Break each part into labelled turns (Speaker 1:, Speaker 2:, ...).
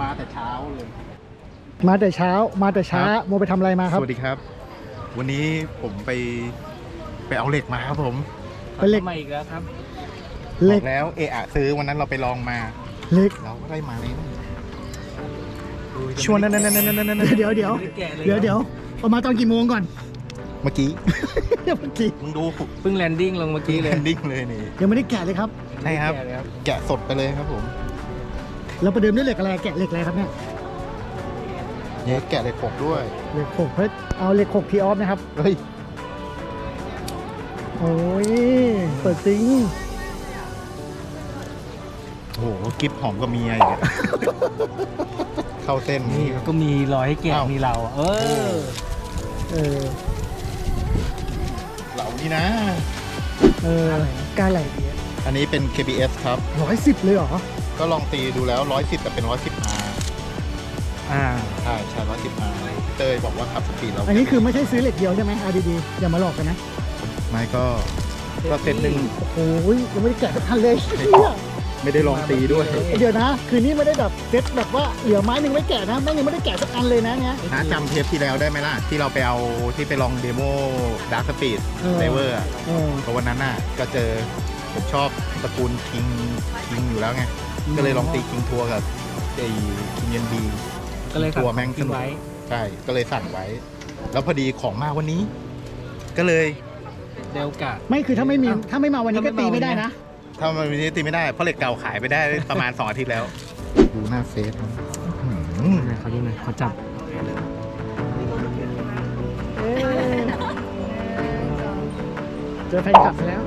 Speaker 1: มาแต่เช้าเลย
Speaker 2: มาแต่เช้ามาแต่ช้าโมไปทำอะไรมาครับ
Speaker 1: สวัสดีครับ วันนี้ผมไปเอาเหล็กมาครับผม
Speaker 2: เป็นเหล็ก
Speaker 3: มาอีกแล้วครับ
Speaker 2: เหล็ก
Speaker 1: บอกแล้วเอะซื้อวันนั้นเราไปลองมา
Speaker 2: เหล็ก
Speaker 1: เราก็ได้มาเลย
Speaker 2: ชวนนั่นเดี๋ยวออกมาตอนกี่โมงก่อน
Speaker 1: เมื่อกี้
Speaker 2: เมื่อกี้
Speaker 1: มึงดู
Speaker 3: เพิ่งแลนดิ้งลงเมื่อกี้เลย
Speaker 1: ดิ้งเลยนี่
Speaker 2: ยังไม่ได้แกะเลยครับ
Speaker 1: ใช่ครับ แกะสดไปเลยครับผม
Speaker 2: เราประเดิมด้วยเหล็กอะไรแกะเหล็กอะไรครับเนี่ย
Speaker 1: เนี่ยแกะเหล็กหกด้วย
Speaker 2: เหล็กหกเฮ้ยเอาเหล็กหกทีออฟนะครับ
Speaker 1: เฮ้ย
Speaker 2: โอ้ยเปิดซิง
Speaker 1: โอ้โหกิฟหอมก็มีอะไรอีกอะ เข้าเส้น
Speaker 3: นี่
Speaker 1: นี่
Speaker 3: ก็มีรอยให้แกะ
Speaker 1: อ้าว
Speaker 3: มีเราเออ
Speaker 2: เออ
Speaker 1: เหล่านี้นะ
Speaker 2: เออการไหล
Speaker 1: อันนี้เป็น KBS ครับ
Speaker 2: 110เลยเหรอ
Speaker 1: ก็ลองตีดูแล้ว110แต่เป็น110R
Speaker 3: อ่า
Speaker 1: ใช่110R เต้ยบอกว่าขับสปีดเรา
Speaker 2: อันนี้คือไม่ใช่ซื้อเหล็กเดียวใช่ไหมเอาดีๆอย่ามาหลอกกันนะ
Speaker 1: ไม่ก็เซตหนึ่ง
Speaker 2: โอ้ยยังไม่ได้แกะสักทันเลย
Speaker 1: ไม่ได้ลองตีด้วย
Speaker 2: เดี๋ยวนะ คืนนี้ไม่ได้แบบเซ็ตแบบว่าเหลือไม้หนึ่งไม่แกะนะแม่งยังไม่ได้แกะสักอันเลยนะเนี่ย
Speaker 1: น้าจำเทปที่แล้วได้ไหมล่ะ ที่เราไปเอาที่ไปลองเดโมดาร์คสปีด
Speaker 2: เออ
Speaker 1: ไดเวอร์
Speaker 2: เออ
Speaker 1: เพราะวันนั้นน่ะก็เจอผมชอบตระกูลคิงอยู่แล้วไง ก็เลยลองตีคิงทัวร์กับไอ้คิงเยนบี
Speaker 3: ก็เลย
Speaker 1: ทัวร์แม่งสนุก
Speaker 3: ไว้
Speaker 1: ใช่ ก็เลยสั่งไว้ แล้วพอดีของมาวันนี้ ก็เลย
Speaker 3: เดลกะ
Speaker 2: ไม่คือถ้าไม่มี
Speaker 3: อ้าว
Speaker 2: ถ้าไม่มาวันนี้ก็ตีไม่ได้นะ
Speaker 1: ถ้ามันวันนี้ตีไม่ได้ เพราะเหล็กเก่าขายไปได้ประมาณ 2 อาทิตย์แล้ว ดูหน้าเฟซนะอื้อหือ
Speaker 3: เขาดูหน่อยเขาจับ
Speaker 2: เจอแฟนคลับไปแล้ว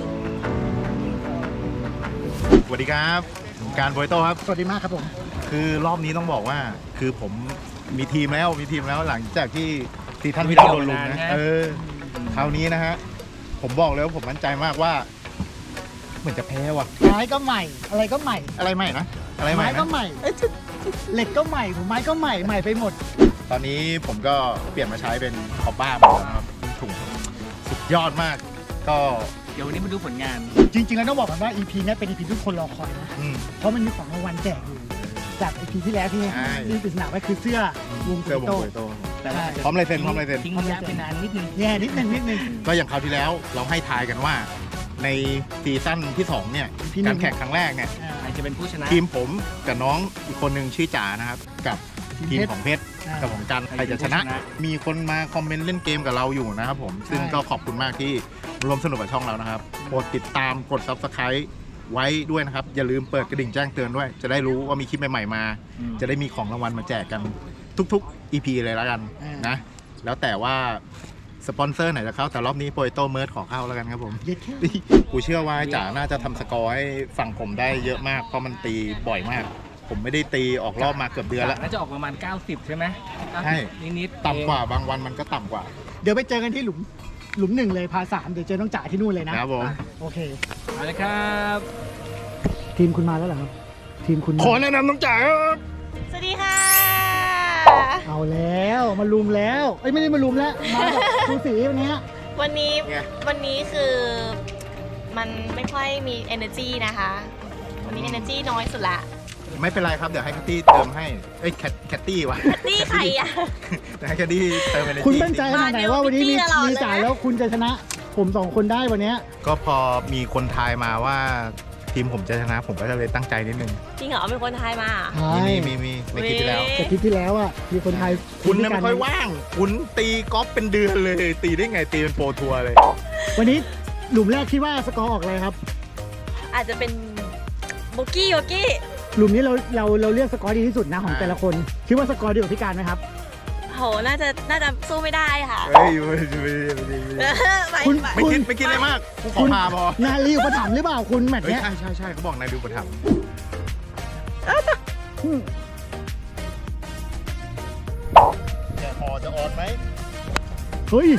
Speaker 1: สวัสดีครับผมการโบยโต้ครับ
Speaker 2: สวัสดีมากครับผม
Speaker 1: คือรอบนี้ต้องบอกว่า คือผมมีทีมแล้วหลังจากที่ซีซั่นที่เราโดนลุมนะคราวนี้นะฮะผมบอกเลยว่าผมมั่นใจมากว่า เหมือนจะแพ้ว่ะ
Speaker 2: ไม้ก็ใหม่ อะไรก็ใหม่
Speaker 1: อะไรใหม่นะอะไรใหม่
Speaker 2: ไม้ก็
Speaker 1: นะ
Speaker 2: ใหม่เหล็กก็ใหม่ผมไม้ก็ใหม่ใหม่ไปหมด
Speaker 1: ตอนนี้ผมก็เปลี่ยนมาใช้เป็นคอปบ้าหมดแล้วนะครับถุงสุดยอดมาก ก็
Speaker 3: เดี๋ยววันนี้มาดูผลงาน
Speaker 2: จริงๆแล้วต้องบอกกันว่า EP นี้เป็น EP ที่ทุกคนรอคอยนะ
Speaker 1: อืม
Speaker 2: เพราะมันมีของรางวัลแจกอยู่จาก EP ที่แล้วที่
Speaker 1: ใช่
Speaker 2: มีปริศนาไว้คือเสื้อวง
Speaker 1: เสื้อวง
Speaker 2: โต้
Speaker 1: โบยโต้
Speaker 3: แต่ว่า
Speaker 1: พร้อมลายเซ็น
Speaker 3: ทิ้งระยะไปนานนิดนึง
Speaker 2: แย่นิดนึง
Speaker 1: ก็อย่างคราวที่แล้วเราให้ทายกันว่า ในซีซั่นที่ 2 เนี่ย
Speaker 2: ที่หนึ่
Speaker 1: กาง รแข่งครั้งแรกเนี่ย
Speaker 3: ใครจะเป็นผู้ชนะ
Speaker 1: ทีมผมกับน้องอีกคนหนึ่งชื่อจ๋านะครับ กับทีมของเพชร
Speaker 2: อ่า
Speaker 1: กับของกันใครจะชนะ มีคนมาคอมเมนต์เล่นเกมกับเราอยู่นะครับผม ซึ่ง
Speaker 2: ใช่
Speaker 1: ก็ขอบคุณมากที่ร่วมสนุกกับช่องเรานะครับกดติดตามกด Subscribe ไว้ด้วยนะครับ อย่าลืมเปิดกระดิ่งแจ้งเตือนด้วย จะได้รู้ว่ามีคลิปใหม่ๆมา จะได้มีของรางวัลมาแจกกันทุกๆ EP เลยแล้วกันนะ แล้วแต่ว่าสปอนเซอร์ไหนจะเข้าแต่รอบนี้โปรโตเมิร์ดขอเข้าแล้วกันครับผม
Speaker 2: เย็ดแค่
Speaker 1: กูเชื่อว่าจ๋าน่าจะทำสกอร์ให้ฝั่งผมได้เยอะมากเพราะมันตีบ่อยมาก ผมไม่ได้ตีออกรอบมาเกือบเดือนแล้ว
Speaker 3: น่าจะออกประมาณ 90 ใช่ไหม
Speaker 1: ใช่
Speaker 3: นิดๆ
Speaker 1: ต่ำกว่าบางวันมันก็ต่ำกว่า
Speaker 2: เดี๋ยวไปเจอกันที่หลุมหนึ่งเลยพาสามเดี๋ยวเจอน้องจ๋าที่นู่นเลยนะครับ
Speaker 1: ผม
Speaker 2: โอเค
Speaker 3: เอาเลยครับ
Speaker 2: ทีมคุณมาแล้วเหรอครับ ทีมคุณมา
Speaker 1: ขอแนะนำน้องจ๋าครับ
Speaker 4: สวัสดีค่ะ
Speaker 2: เอาแล้วมาลุมแล้วเอ้ยไม่ได้มาลุมแล้วมาแบบคูสีวันเนี้ย
Speaker 4: วันนี้
Speaker 1: ไง
Speaker 4: วันนี้คือมันไม่ค่อยมี energy นะคะ วันนี้ energy น้อยสุดละ
Speaker 1: ไม่เป็นไรครับเดี๋ยวให้แคตตี้เติมให้เอ้ยแคตตี้วะ
Speaker 4: ตี้ใครอ่ะ
Speaker 1: เดี๋ยวให้แคตตี้เติมไปใน
Speaker 2: คุณมั่นใจขนาดไหนว่าวันนี้มี
Speaker 4: มาเดี๋ยว
Speaker 2: มี
Speaker 4: พี่
Speaker 2: จ่าย
Speaker 4: ตลอดเลยนะ
Speaker 2: แล้วคุณจะชนะ ผมสองคนได้วันเนี้ย
Speaker 1: ก็พอมีคนทายมาว่าทีมผมจะชนะ ผมก็จะเลยตั้งใจนิดนึง
Speaker 4: จริงเหรอเป็นคนไทยมา
Speaker 2: ใช่
Speaker 1: มีในคลิปที่แล้ว
Speaker 2: แต่คลิปที่แล้วอ่ะมีคนไทย
Speaker 1: คุณ
Speaker 2: ด้
Speaker 1: เนี่
Speaker 2: วย
Speaker 1: ไม่ค่อยว่าง คุณตีกอล์ฟเป็นเดือนเลย ตีได้ไงตีเป็นโปรทัวร์เลย
Speaker 2: วันนี้หลุมแรกคิดว่าสกอร์ออกอะไรครับ
Speaker 4: อาจจะเป็นโบกี้
Speaker 2: หลุมนี้เราเลือกสกอร์ดีที่สุดนะของแต่ละคน คิดว่าสกอร์ดีกว่าพี่การไหมครับ
Speaker 4: โหน่าจะสู้ไม่ได้ค่ะ
Speaker 1: เฮ้ย
Speaker 4: ไป
Speaker 2: คุณ
Speaker 4: ไป
Speaker 1: ไม่คิดอะไรมากกูขอพาพอ
Speaker 2: นาลีอุปถัมภ์หรือเปล่าคุณแมตช์
Speaker 1: เฮ้ย
Speaker 2: เนี้ย
Speaker 1: ใช่เขาบอกนายดูประทับ
Speaker 2: อืม
Speaker 1: จะพอจะออนไหม
Speaker 2: เฮ้ย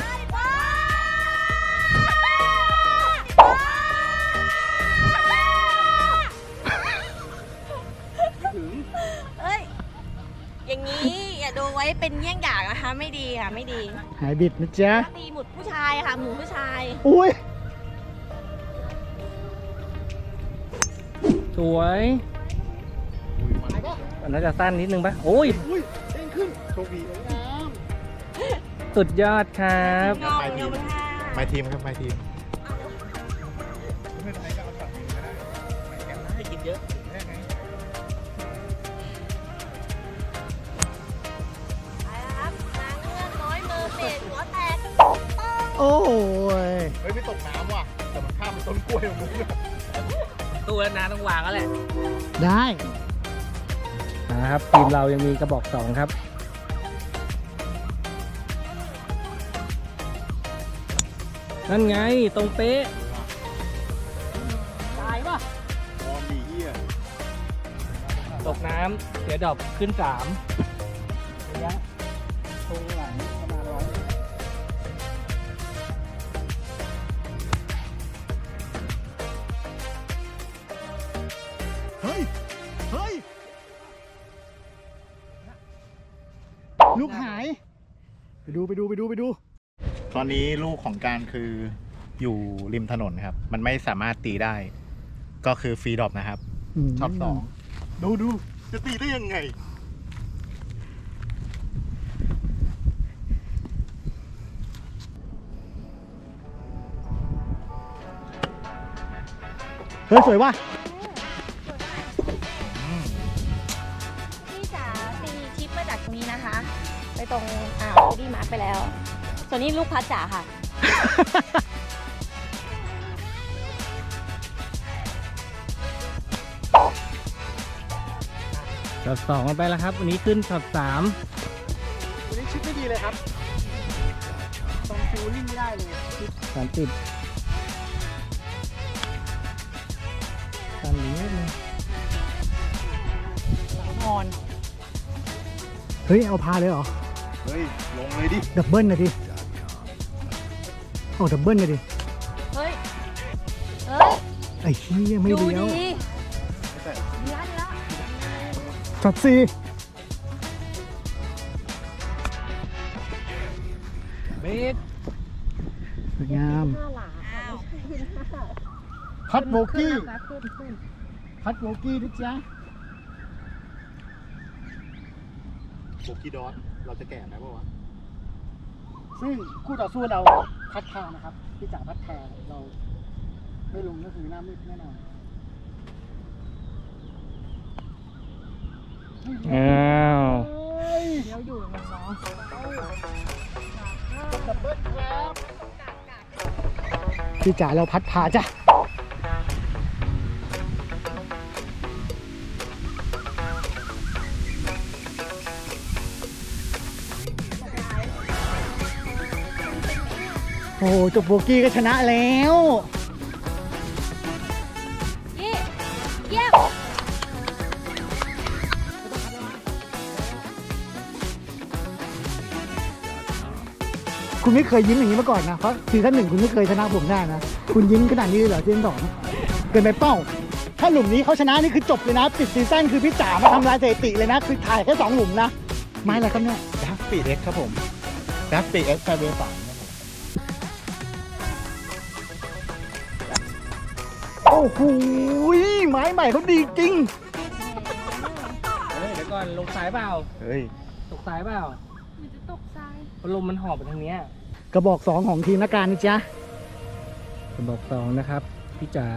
Speaker 4: เอ้ย อย่างนี้อย่าดูไว้เป็นเยี่ยงอย่างนะคะ ไม่ดีค่ะ ไม่ดี
Speaker 2: หายบิดนะจ๊ะ
Speaker 4: ตีหมุดผู้ชายค่ะ หมูผู้ชาย
Speaker 2: อุ้ย
Speaker 3: สวยน่าจะสั้นนิดนึงปะโอ้ย
Speaker 2: อุ้ยเด้งขึ้น
Speaker 1: โชคดี
Speaker 2: สวยงาม
Speaker 3: สุดยอดครับ
Speaker 4: งอมงอมค่ะ
Speaker 1: ไม่ทีมครับไม่ทีม
Speaker 3: ให้กินเยอะ
Speaker 4: ไปแล้วครับนางเงือกน้อยมือเปลี่ยนหัวแตกป้อง
Speaker 2: โอ้ย
Speaker 1: เฮ้ยไม่ตกน้ำว่ะแต่มันข้ามเป็นต้นกล้วยของมึง
Speaker 3: ตู้แล้วนะต้องวางแล้วแหละ
Speaker 2: ได้
Speaker 3: นะครับทีมเรายังมีกระบอกสองครับ นั่นไงตรงเป๊ะ
Speaker 2: ตายป่ะ
Speaker 1: มองดีเหี้ย
Speaker 3: ตกน้ำเสียดอกขึ้น
Speaker 2: ระยะตรงหลังประมาณ100 เฮ้ย เฮ้ย ลูกหาย ไปดู
Speaker 1: ตอนนี้ลูกของการคืออยู่ริมถนนครับ มันไม่สามารถตีได้ ก็คือฟรีดรอปนะครับ ช็อต 2 ดูจะตีได้ยังไง
Speaker 2: เฮ้ย สวยว่ะ
Speaker 4: พี่จ๋าตีชิปมาจากตรงนี้นะคะ ไปตรงดีมาร์คไปแล้ว ส่วนนี้ลูกพัดจ๋าค่ะ
Speaker 3: ช็อตสองกันไปแล้วครับ วันนี้ขึ้นช็อต 3
Speaker 2: วันนี้ชิปไม่ดีเลยครับ ตรงฟิลลิ่งไม่ได้เลยชิป
Speaker 3: 30ตอนนี้เลย
Speaker 4: นอน
Speaker 2: เฮ้ย เอาพาเลยเหรอ
Speaker 1: เฮ้ย ลงเลยดิ
Speaker 2: ดับเบิลนะดิเอาดับเบิลนะดิ
Speaker 4: เฮ้ย
Speaker 2: ไอ้เหี้ยไม่
Speaker 4: ดู
Speaker 2: เลี้ยว
Speaker 4: ดียันละ
Speaker 2: ช็อตสี่
Speaker 3: เบส
Speaker 2: สวยงาม
Speaker 4: ห้าหลา
Speaker 2: พัดโบกี้พัดโบกี้นะจ๊ะ
Speaker 1: โบกี้ดอสเราจะแก่ไหมปะวะ
Speaker 2: ซึ่งคู่ต่อสู้เราพัดแทนนะครับพี่จ๋าพัดแทนเราไม่ลงก็คือหน้ามืดแน่นอน
Speaker 3: อ้าว
Speaker 4: เดี๋ยวอยู่มันเนาะ
Speaker 2: ดับเบิลครับพี่จ๋าเราพัดพาจ้ะโอ้โหจบโบกี้ก็ชนะแล้ว
Speaker 4: เยี่ยม
Speaker 2: คุณไม่เคยยิ้มอย่างนี้มาก่อนนะ เพราะซีซั่น 1คุณไม่เคยชนะผมได้นะ คุณยิ้มขนาดนี้เลยเหรอซีซั่น 2เกินไปเป้า ถ้าหลุมนี้เขาชนะนี่คือจบเลยนะ ปิดซีซั่นคือพี่จ๋ามาทำลายสถิติเลยนะ คือถ่ายแค่2หลุมนะ ไม้อะไรครับเนี่ย
Speaker 1: ดักปีเอ็กครับผมดักปีเอ็กแฟเวอร์3
Speaker 2: โอ้โหไม้ใหม่เขาดีจริง
Speaker 3: เฮ้ยเดี๋ยวก่อนลงสายเปล่า
Speaker 1: เฮ้ย
Speaker 3: ตกสายเปล่า
Speaker 4: มันจะตกทราย
Speaker 3: เพราะลมมันหอบไปทางเนี้ย
Speaker 2: กระบอก 2 ของทีมนักการนะจ๊ะ
Speaker 3: กระบอกสองนะครับพี่จ๋า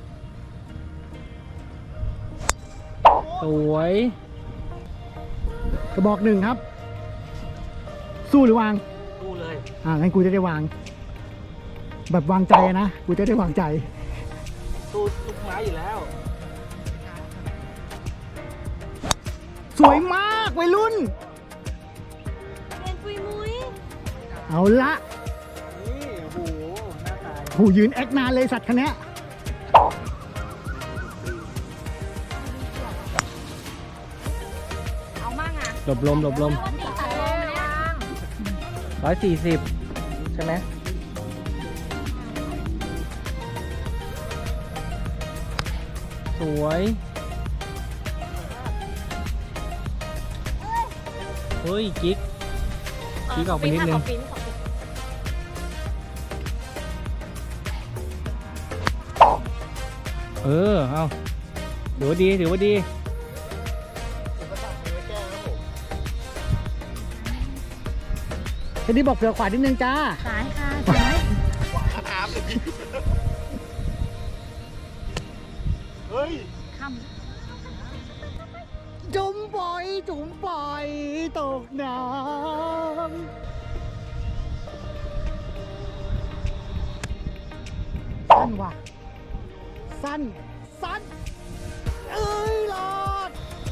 Speaker 3: สวย
Speaker 2: กระบอก 1 ครับ สู้หรือวาง
Speaker 3: ดูเลย
Speaker 2: งั้นกูจะได้วาง แบบวางใจอะนะ กูจะได้วางใจ
Speaker 3: ตู้ลูกไม้อยู่แล้ว
Speaker 2: สวยมากวัยรุ่น
Speaker 4: เรียนปุยมุ้ย
Speaker 2: เอาละ
Speaker 3: นี่โอ้โหหน้าตาย
Speaker 2: โหยืนแอคนานเลยสัตว์คันเนี้ย
Speaker 4: เอามั่งอ่ะ
Speaker 3: หลบลม
Speaker 4: วันนี้ตัดลมเนี่ย
Speaker 3: 140 ใช่ไหมสวย เฮ้ยกิ๊ก ออกไปนิดนึง
Speaker 4: ขอปิ้น
Speaker 3: เอาถือว่าดี
Speaker 2: แคนดี้บอกเผื่อขวานิดนึงจ้า
Speaker 4: ซ้ายค่ะซ้าย
Speaker 1: เฮ้ย
Speaker 4: ค
Speaker 2: จุ่มปล่อยตกน้ำสั้นว่ะสั้นเอ้ยรอด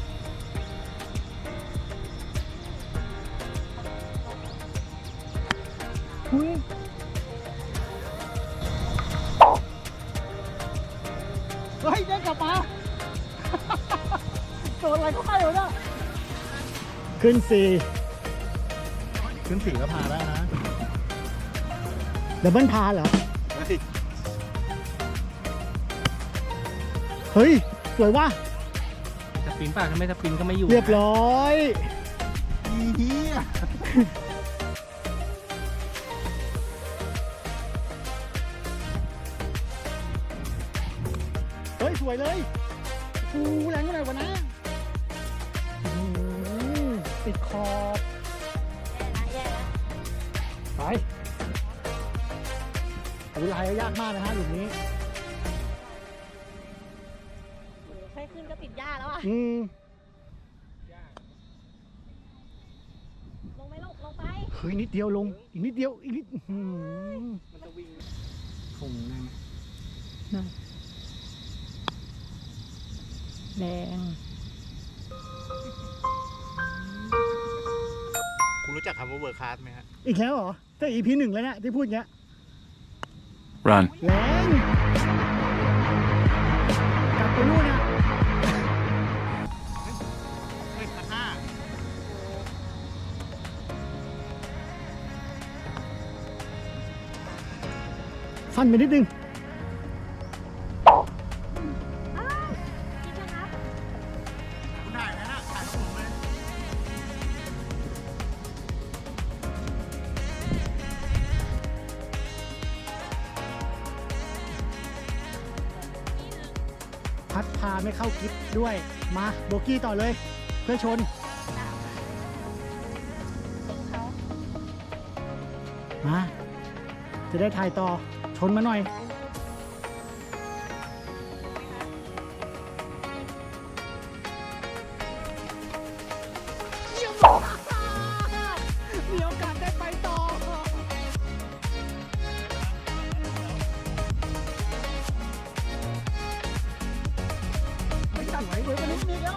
Speaker 2: หุ้ยเฮ้ยได้กลับมา โดนอะไรก็ให้เลยนะขึ้นสี่
Speaker 1: ขึ้นสี่ก็พาได้นะ
Speaker 2: ดับเบิลพาเหรอ เฮ้ย สวยว่ะ
Speaker 3: สปินป่ะถ้าไม่สปินก็ไม่อยู่
Speaker 2: เรียบร้อย
Speaker 1: เฮีย
Speaker 2: เฮ้ย สวยเลยกูแรงเท่าไหร่วะนะติดขอบ
Speaker 4: ำแย่แล้ว
Speaker 2: ไปดูลายยากมากนะฮะหลุมนี้
Speaker 4: แค่ขึ้นก็ติดหญ้าแล้วอ่ะ ลงไหมลูกลงไป
Speaker 2: เฮ้ย นิดเดียวลง อีกนิดเดียว อีกนิดมันจะวิ่งคงได้ไหม
Speaker 4: แดง
Speaker 1: คุณรู้จักคำว่าเวอร์คลาสไหมฮะ
Speaker 2: อีกแล้วเหรอถ้า EP 1แล้วเนี่ยที่พูดเงี้ย
Speaker 5: Run.
Speaker 2: แรงกลับไปนู่นนะ
Speaker 1: เฮ้ยพันห้า
Speaker 2: สั้นไปนิดนึง
Speaker 4: พี่ชนะครับ
Speaker 1: คุณถ่ายไหมนะถ่ายของผมเลย
Speaker 2: พัดพาไม่เข้ากิฟด้วย มาโบกี้ต่อเลย เพื่อชน มา จะได้ถ่ายต่อ ชนมาหน่อย มีโอกาสได้ไปต่อ ไม่จัดไว้เดี๋ยววันนี้มีแล้ว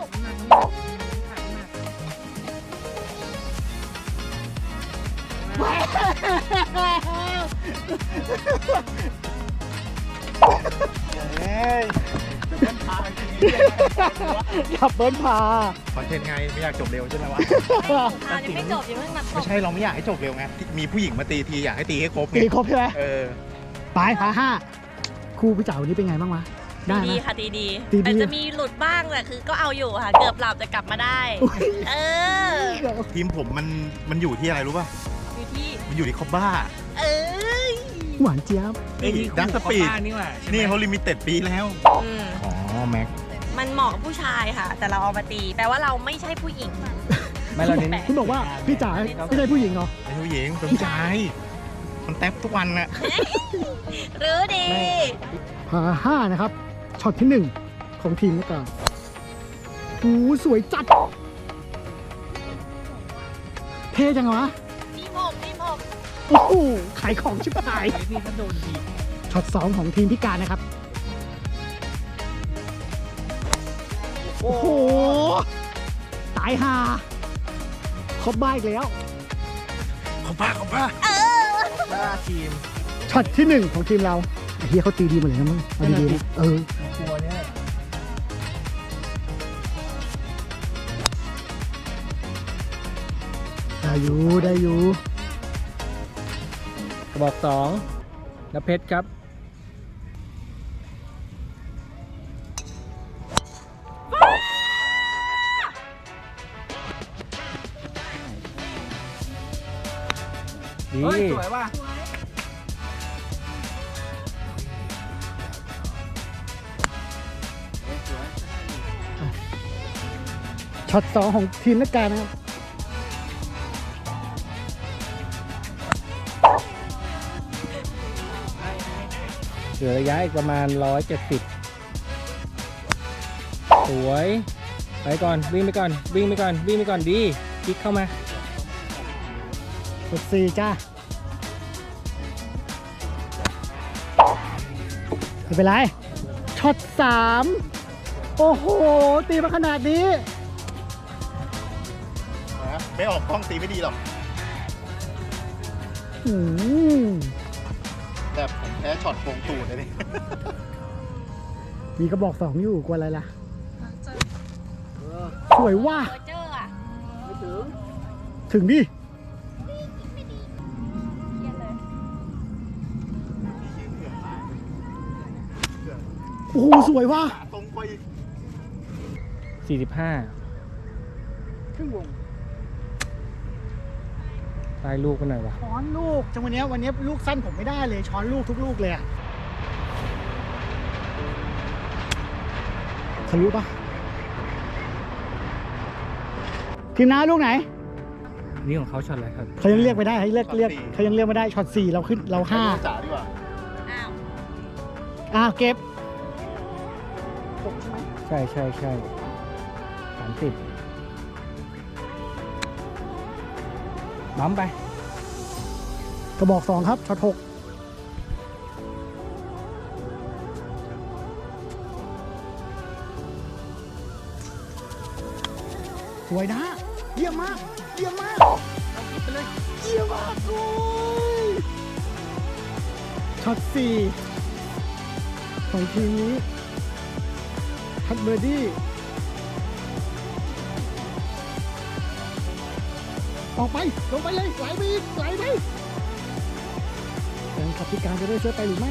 Speaker 1: เฮ้ยเป็นพาจริง
Speaker 2: ขับเบิ้ลพา
Speaker 1: คอนเทนต์ไงไม่อยากจบเร็วใช่ไหมวะ
Speaker 4: อ่ายังไม่จบอย่าเพิ่งมาต
Speaker 1: ไม่
Speaker 4: บ
Speaker 1: ใช่เราไม่อยากให้จบเร็วไงมีผู้หญิงมาตีทีอยากให้ตีให้ครบไง
Speaker 2: ตีครบใช่ไหม
Speaker 1: เออ
Speaker 2: ไปพาห้าครูพี่จ๋าวันนี้เป็นไงบ้างวะ ได้ไหม
Speaker 4: ดีค่ะดีดี
Speaker 2: ดี
Speaker 4: แต่จะมีหลุดบ้างแต่คือก็เอาอยู่ค่ะ เกือบหลับแต่กลับมาได้ เออ
Speaker 1: ทีมผมมันอยู่ที่อะไรรู้ป่ะ
Speaker 4: อยู่ที่
Speaker 1: มันอยู่ที่คอบบ้า
Speaker 4: เอ้ย
Speaker 2: หวานเจี๊ยบ
Speaker 1: ดักสปีด
Speaker 3: นี่ว่ะ
Speaker 1: นี่เขาลิมิเต็ดปีแล้ว
Speaker 4: อืม
Speaker 1: อ๋อ แม็ก
Speaker 4: มันเหมาะกับผู้ชายค่ะ แต่เราเอามาตี แปลว่าเราไม่ใช่ผู้หญิง
Speaker 3: ไม่เราเน้น
Speaker 2: คุณบอกว่าพี่จ๋าไม่ใช่ผู้หญิงเหรอ
Speaker 1: เป็นผู้หญิงเป็นผู้ชาย มันแท็บทุกวันน่ะ
Speaker 4: รู้ดี
Speaker 2: พาห้านะครับ ช็อตที่หนึ่งของทีมแล้วกันโอ้สวยจัด เท่จังวะ
Speaker 4: นี่ผม
Speaker 2: โอ้โหขายของชิบหาย
Speaker 3: นี่ก็โดนดี
Speaker 2: ช็อตสองของทีมพิการนะครับ โอ้โห ตายห่าครบบ้าอีกแล้ว
Speaker 1: เขาบ้าบ้าทีม
Speaker 2: ช็อตที่หนึ่งของทีมเราไอ้เฮียเขาตีดีหมดเลยนะมึงเอาดีๆนะเออ
Speaker 3: กลัวเนี่ย
Speaker 2: ได้อยู่
Speaker 3: กระบอกสองแล้วเพชรครับดี
Speaker 5: สวยว่ะ
Speaker 2: ช็อตสองของทีมนักการนะครับ
Speaker 3: เหลือระยะอีกประมาณ 170 สวย ไปก่อน วิ่งไปก่อน วิ่งไปก่อน วิ่งไปก่อนดีคลิกเข้ามา
Speaker 2: กด4จ้าไม่เป็นไรช็อต3โอ้โหตีมาขนาดนี้
Speaker 1: ไม่ออกกล้องตีไม่ดีหรอก
Speaker 2: อืม
Speaker 1: แต่ผมแพ้ช็อตโกงตูดเลยนี่
Speaker 2: มีกระบอก2อยู่กลัวอะไรล่ะสวยว่ะ
Speaker 4: โรเจอร์อ่ะ
Speaker 2: ถึงดิ
Speaker 4: เยี่ยมเลย
Speaker 2: โอ้โหสวยว่ะ
Speaker 1: ตรงไปอีก
Speaker 3: 45
Speaker 2: ครึ่งวง
Speaker 3: ใต้ลูกกันหน่อยวะ
Speaker 2: ช้อนลูกจังวันนี้ลูกสั้นผมไม่ได้เลยช้อนลูกทุกลูกเลยอะทะลุปะทีมน้าลูกไหน
Speaker 3: นี่ของเขาช็อตอะไรครับ
Speaker 2: เขายังเรียกไม่ได้ให้เรียกเขายังเรียกไม่ได้ช็อต4เราขึ้นเรา
Speaker 1: ให้น้องจ๋าดีกว่า
Speaker 4: อ้าว
Speaker 2: 5เก็บ
Speaker 3: ใช่30บัมไป
Speaker 2: กระบอก2ครับช็อต6สวยนะเยี่ยมมากเยี่ยมมากไปเลยเยี่ยมมากโอ้ยช็อต4ของทีมนี้ทัดเบอร์ดี้ออกไปลงไปเลยไหลไปอีกไหลไปแฟนคลับพิการจะได้ช่วยไปหรือไม่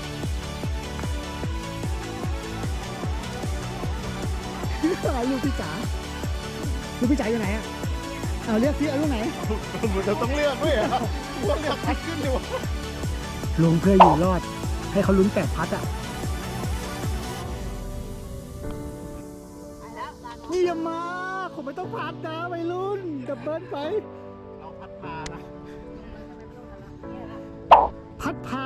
Speaker 2: ลูกพี่จ๋าลูกพี่จ๋าอยู่ไหนอ่ะเอาเรียกพี่เอาลูกไหน
Speaker 1: เราต้องเลือกด้วยอ่ะว่าเลือกพัดขึ้นดีกว่า
Speaker 2: ลงเพื่ออยู่รอด ให้เขาลุ้น8พัดอ่ะเยี่ยมมากผมไม่ต้องพัดนะวัยรุ่นดับเบิลไป
Speaker 1: เราพัดพานะ
Speaker 2: พัดพา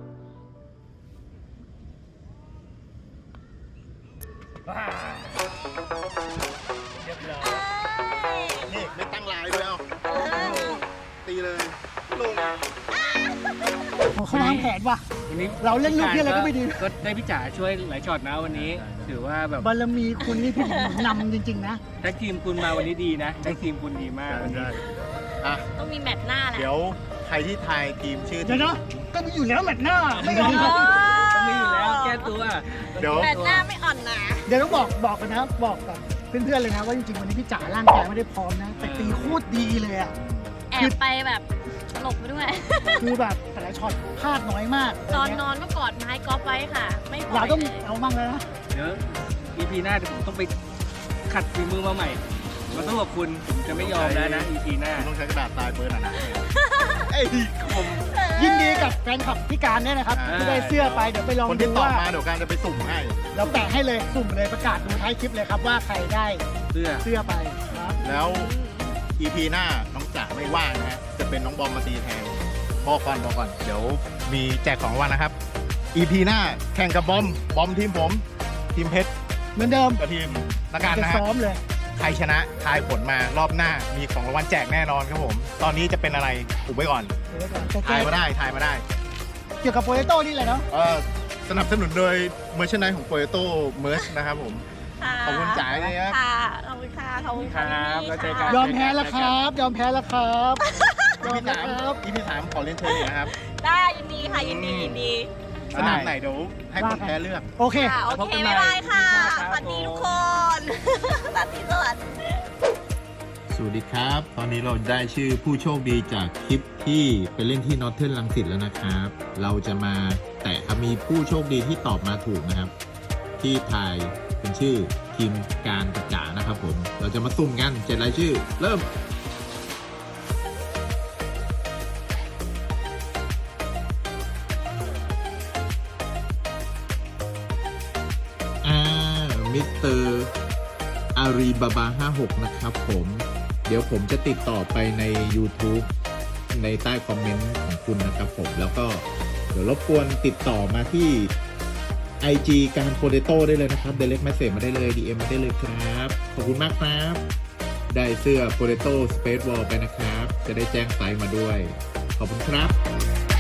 Speaker 1: นี่ไม่ตั้งลายด้วยเอาตีเลยลง
Speaker 2: เขาวางแผนว่ะ
Speaker 3: วันนี้
Speaker 2: เราเล่นลูกเหี้ยอะไรก็ไม่ดี
Speaker 3: ก็ได้พี่จ๋าช่วยหลายช็อตนะวันนี้ ถือว่าแบบ
Speaker 2: บารมีคุณนี่พี่นำจริงๆนะ
Speaker 3: แท็กทีมคุณมาวันนี้ดีนะแท็กทีมคุณดีมากวันนี้
Speaker 1: อ่ะ
Speaker 4: ต้องมีแมตช์หน้าแหละ
Speaker 1: เดี๋ยวใครที่ทายทีมชื่อ
Speaker 2: เดี๋ยวนะก็มีอยู่แล้วแมตช์หน้าไม่เอา
Speaker 3: ต้องมีอยู่แล้วแก้ตัว
Speaker 1: เดี๋ยว
Speaker 4: แมตช์หน้าไม่อ่อนนะ
Speaker 2: เดี๋ยวต้องบอกกันนะบอกกับเพื่อนๆเลยนะว่าจริงๆวันนี้พี่จ๋าร่างกายไม่ได้พร้อมนะแต่ตีโคตรดีเลยอ่ะ
Speaker 4: แอบไปแบบหลบไปด้วย
Speaker 2: คือแบบแต่ละช็อตพลาดน้อยมาก
Speaker 4: ตอนนอนก็กอดไม้กอล์ฟไว้ค่ะ ไม่ปล่
Speaker 2: เรา
Speaker 4: อย
Speaker 2: ต้อง
Speaker 4: เลย
Speaker 2: เอามั่งแล้วนะ
Speaker 3: เดี๋ยว EP หน้าเดี๋ยวผมต้องไปขัดฝีมือมาใหม่มาสู้กับคุณผมจะไม่ยอมแล้วนะ EP หน้า
Speaker 1: ต้องใช้กระดาษทรายเบอร์หนาๆไอ้คม
Speaker 2: ยินดีกับแฟนคลับพี่การด้วยนะครับ
Speaker 3: อ่า
Speaker 2: ที่ได้เสื้อไปเดี๋ยวไปลอง
Speaker 1: คน
Speaker 2: ดู
Speaker 1: ที่ตอบ
Speaker 2: ว่า
Speaker 1: มาเดี๋ยวการจะไปสุ่มให้
Speaker 2: เราแปะให้เลยสุ่มเลยประกาศดูท้ายคลิปเลยครับว่าใครได้
Speaker 3: เสื้อ
Speaker 2: เสื้อไปครับ
Speaker 1: แล้ว EP หน้าน้องจ๋าไม่ว่างนะฮะจะเป็นน้องบอมมาตีแทนบอกก่อนเดี๋ยวมีแจกของรางวัลนะครับ EP หน้าแข่งกับบอมทีมผม ทีมเพชร
Speaker 2: เหมือนเดิม
Speaker 1: กับทีมละกัน
Speaker 2: จะ
Speaker 1: นะฮะ
Speaker 2: ซ้อมเลย
Speaker 1: ใครชนะทายผลมารอบหน้ามีของรางวัลแจกแน่นอนครับผม ตอนนี้จะเป็นอะไรอุบไว้ก่อน
Speaker 2: เดี๋ยวก่อนแต่
Speaker 1: ทายมาได้ทายมาได้
Speaker 2: เกี่ยวกับโปเตโต้นี่แหละเนาะ
Speaker 1: สนับสนุนโดยเมอร์ชนายของ Potato Merch นะครับผม
Speaker 4: ค่ะ
Speaker 1: ขอบคุณจ๋าเลยครับ
Speaker 4: ค่ะขอบคุณค่ะขอบคุณค่ะ
Speaker 3: ครับ
Speaker 4: พี่
Speaker 3: แล้วเจอ
Speaker 4: ๆ
Speaker 3: กั
Speaker 4: ค่ะ
Speaker 3: น
Speaker 2: ยอมแพ้แล้วครับ ยอมแพ้แล้วครับยอม
Speaker 1: EP
Speaker 2: แล้วครับ
Speaker 1: EP 3ขอเรียนเชิญอีกนะครับ
Speaker 4: ได้ยินดีค่ะยินดียินดี
Speaker 1: สนามไหนเดี๋ยวให้คนแพ้เลือก
Speaker 2: โอเค
Speaker 4: ค่ะโอเคบ๊ายบายค่ะ สวัสดีทุกคน สวัสดีสวัสดี
Speaker 1: สวัสดีครับ ตอนนี้เราได้ชื่อผู้โชคดีจากคลิปที่ไปเล่นที่นอร์เทิร์นรังสิตแล้วนะครับ เราจะมาแตะมีผู้โชคดีที่ตอบมาถูกนะครับ ที่ทายเป็นชื่อทีมการกระจ๋านะครับผม เราจะมาสุ่มกัน7รายชื่อ เริ่ม มิสเตอร์อารีบาบา56นะครับผม เดี๋ยวผมจะติดต่อไปใน YouTube ในใต้คอมเมนต์ของคุณนะครับผม แล้วก็เดี๋ยวรบกวนติดต่อมาที่ IG การโปเตโต้ได้เลยนะครับ Direct Message มาได้เลย DM มาได้เลยครับ ขอบคุณมากครับ ได้เสื้อ Potato Space Wall ไปนะครับ จะได้แจ้งไซส์มาด้วย ขอบคุณครับ